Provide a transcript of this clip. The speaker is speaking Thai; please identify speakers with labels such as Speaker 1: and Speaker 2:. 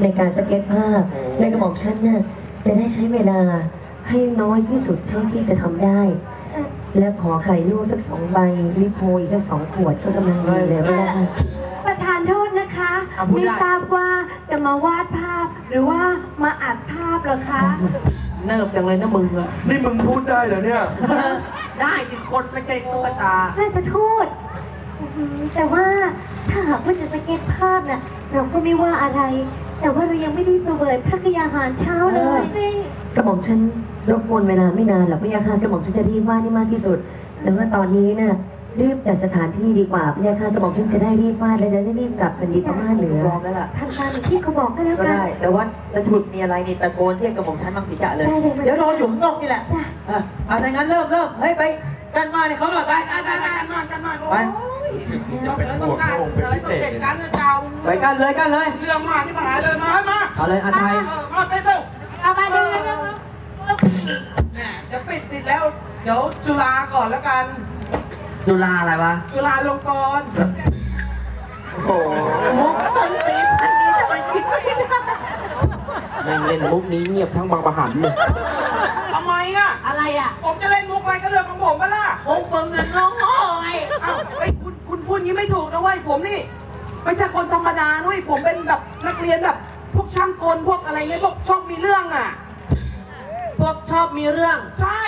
Speaker 1: ในการสเก็ตภาพและกระบอกฉันน่ะจะได้ใช้เวลาให้น้อยที่สุดเท่าที่จะทำได้ และขอไข่ลูกสัก2 ใบลิโพอีกสัก2 ขวดก็กำลังดีเลยว่า
Speaker 2: ประธานโทษนะคะไม่ทราบว่าจะมาวาดภาพหรือว่ามาอัดภาพเหรอคะ
Speaker 3: เนิบจังเลยนะมึงอะ
Speaker 4: นี่มึงพูดได้เหรอเนี่ย
Speaker 3: ได้ดิคนไม่ใช่ตุ๊กตา
Speaker 2: ราชทูตแต่ว่าถ้าหากว่าจะสเก็ตภาพน่ะเราก็ไม่ว่าอะไร แต่ว่าเรายังไม่ได้เสวยพระกยาหารเช้าเลย
Speaker 1: กระบอกฉันรบกวนเวลาไม่นานหรอกพี่ยาค่ะกระบอกฉันจะรีบวาดให้มากที่สุดแต่ว่าตอนนี้น่ะรีบจัดสถานที่ดีกว่าพี่ยาค่ะกระบอกฉันจะได้รีบวาดและจะได้รีบกลับเป็นดีพม่าเหนือ
Speaker 3: พร้อมแล้วล่ะ
Speaker 2: ทำตามอย่างที่เขาบอกก็แล้ว
Speaker 3: ก็
Speaker 2: กัน
Speaker 3: ได้ แต่ว่าจะฉุดมีอะไรนี่ตะโกนเรียกกระหม่อมชั้นมังสีกะเลย
Speaker 2: ได้เลย
Speaker 3: เดี๋ยวรออยู่ข้างนอกนี่แหละ
Speaker 2: จ้ะ
Speaker 3: ถ้างั้นเริ่มเฮ้ยไปกันมาเนี่ยเขาหน่อยไปกันมา ไป
Speaker 4: จะเป็นห่วงพระองค์เป็นพิเศษเลยนะ
Speaker 3: ไปกันเลย
Speaker 5: เรื่องมากที่มาหาเลยมา
Speaker 3: เอาเลยอาไทย
Speaker 5: มาเป็นเร็ว
Speaker 2: เอามาดู
Speaker 5: จะปิดติดแล้ว เดี๋ยวจุฬาก่อนแล้วกัน
Speaker 3: จุฬาอะไรวะ
Speaker 5: จุฬาลงกรณ์
Speaker 3: โอ้โหมุกต้นตีนอันนี้ทำไมคิดไม่ได้แม่งเล่นมุกนี้เงียบทั้งบางประหันเลย
Speaker 5: ทำไมอ่ะ
Speaker 3: อะไรอ่ะ
Speaker 5: ผมจะเล่นมุกอะไรก็เรื่องของผมมาล่ะ
Speaker 3: มุกมึงนั่นน้องโง่ไง
Speaker 5: อ้าวไอ้คุณพูดงี้ไม่ถูกนะเว้ยผมนี่ไม่ใช่คนธรรมดาเว้ยผมเป็นแบบนักเรียนแบบพวกช่างกลพวกอะไรเงี้ยพวกชอบมีเรื่องอ่ะ
Speaker 3: พวกชอบมีเรื่อง
Speaker 5: ใช่